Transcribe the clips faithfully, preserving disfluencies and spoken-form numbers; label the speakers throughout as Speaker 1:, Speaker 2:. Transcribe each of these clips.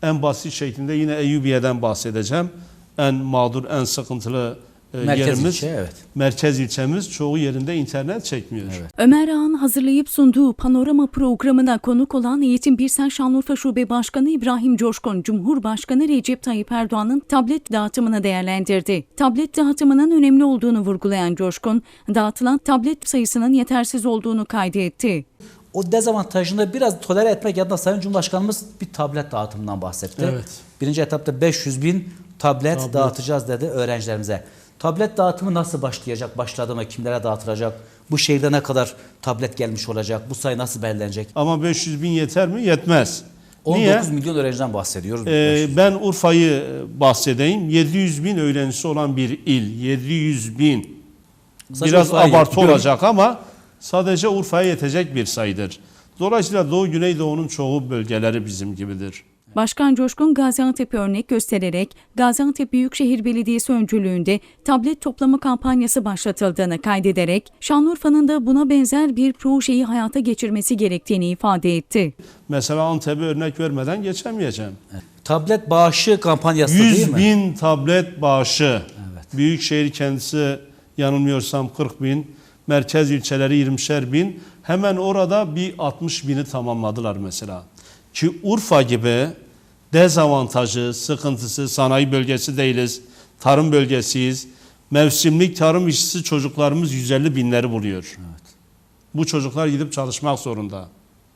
Speaker 1: En basit şeklinde yine Eyyubiye'den bahsedeceğim. En mağdur, en sıkıntılı
Speaker 2: Merkez
Speaker 1: yerimiz,
Speaker 2: ilçe, evet.
Speaker 1: merkez ilçemiz çoğu yerinde internet çekmiyor.
Speaker 2: Evet.
Speaker 3: Ömer Ağa'nın hazırlayıp sunduğu Panorama programına konuk olan Eğitim Birsel Şanlıurfa Şube Başkanı İbrahim Coşkun, Cumhurbaşkanı Recep Tayyip Erdoğan'ın tablet dağıtımını değerlendirdi. Tablet dağıtımının önemli olduğunu vurgulayan Coşkun, dağıtılan tablet sayısının yetersiz olduğunu kaydetti.
Speaker 2: O dezavantajını biraz tolere etmek adına Sayın Cumhurbaşkanımız bir tablet dağıtımından bahsetti.
Speaker 1: Evet.
Speaker 2: Birinci etapta beş yüz bin tablet,
Speaker 1: Tablet.
Speaker 2: dağıtacağız dedi öğrencilerimize. Tablet dağıtımı nasıl başlayacak? Başladı mı? Kimlere dağıtılacak? Bu şehirde ne kadar tablet gelmiş olacak? Bu sayı nasıl belirlenecek?
Speaker 1: Ama beş yüz bin yeter mi? Yetmez.
Speaker 2: on
Speaker 1: Niye?
Speaker 2: dokuz milyon öğrenciden bahsediyoruz.
Speaker 1: Ee, ben Urfa'yı bahsedeyim. yedi yüz bin öğrencisi olan bir il. yedi yüz bin.
Speaker 2: Sadece
Speaker 1: Biraz
Speaker 2: Urfa'ya
Speaker 1: abartı
Speaker 2: yetiyor.
Speaker 1: olacak ama sadece Urfa'ya yetecek bir sayıdır. Dolayısıyla Doğu Güneydoğu'nun çoğu bölgeleri bizim gibidir.
Speaker 3: Başkan Coşkun Gaziantep'i örnek göstererek Gaziantep Büyükşehir Belediyesi öncülüğünde tablet toplama kampanyası başlatıldığını kaydederek Şanlıurfa'nın da buna benzer bir projeyi hayata geçirmesi gerektiğini ifade etti.
Speaker 1: Mesela Antep'e örnek vermeden geçemeyeceğim.
Speaker 2: Tablet bağışı kampanyası değil
Speaker 1: yüz
Speaker 2: mi?
Speaker 1: bin tablet bağışı.
Speaker 2: Evet.
Speaker 1: Büyükşehir kendisi yanılmıyorsam kırk bin. Merkez ilçeleri yirmişer bin. Hemen orada bir altmış bini tamamladılar mesela. Ki Urfa gibi dezavantajı, sıkıntısı, sanayi bölgesi değiliz, tarım bölgesiyiz. Mevsimlik tarım işçisi çocuklarımız yüz elli binleri buluyor.
Speaker 2: Evet.
Speaker 1: Bu çocuklar gidip çalışmak zorunda.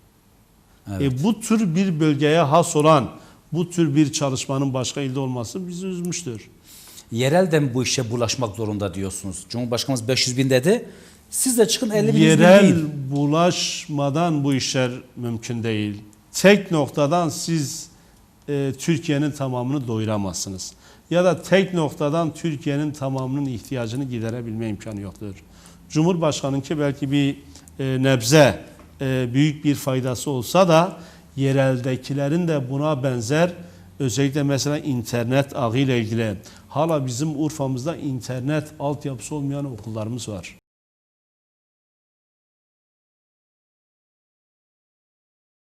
Speaker 2: Evet.
Speaker 1: E, bu tür bir bölgeye has olan, bu tür bir çalışmanın başka ilde olması bizi üzmüştür.
Speaker 2: Yerel de mi bu işe bulaşmak zorunda diyorsunuz? Cumhurbaşkanımız beş yüz bin dedi. Siz de çıkın elli bin, yüz bin
Speaker 1: Yerel
Speaker 2: değil.
Speaker 1: bulaşmadan bu işler mümkün değil. Tek noktadan siz e, Türkiye'nin tamamını doyuramazsınız. Ya da tek noktadan Türkiye'nin tamamının ihtiyacını giderebilme imkanı yoktur. Cumhurbaşkanınki belki bir e, nebze e, büyük bir faydası olsa da yereldekilerin de buna benzer, özellikle mesela internet ağı ile ilgili hala bizim Urfa'mızda internet altyapısı olmayan okullarımız var.